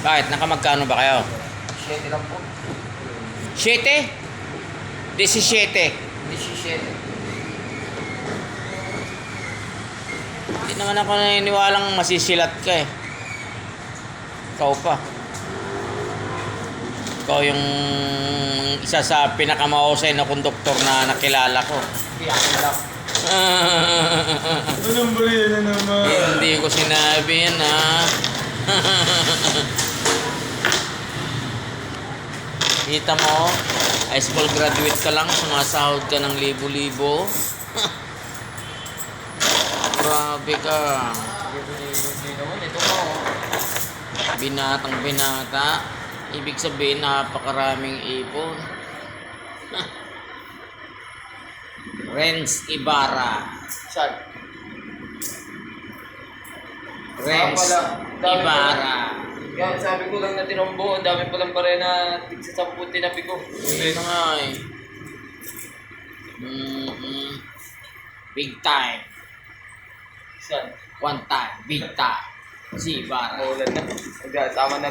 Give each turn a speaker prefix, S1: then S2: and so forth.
S1: Bakit? Nakamagkano ba kayo?
S2: 7 lang po.
S1: 7? 17.
S2: 17.
S1: Hindi naman ako naniniwalang masisilat ka eh. Ikaw pa. Ikaw yung isa sa pinakamahusay na konduktor na nakilala ko.
S2: Hindi ako lang.
S3: Anong bariya na naman?
S1: Hindi ko sinabi yan ha. Kita mo, high school graduate ka lang, sumasahod ka ng libo-libo. Grabe ka.
S2: Hindi naman. Ito mo.
S1: Binatang binata. Ibig sabihin, napakaraming ipon. Renz Ibarra.
S2: Saan?
S1: Renz
S2: Dami
S1: Ibarra.
S2: Kaya sabi ko lang na tinombo, ang dami palang bare na tigsa 10 tinabi ko.
S1: Hindi na nga eh. Big time.
S2: Saan?
S1: One time. Big time. Si Ibarra.
S2: Maulan na. Tama na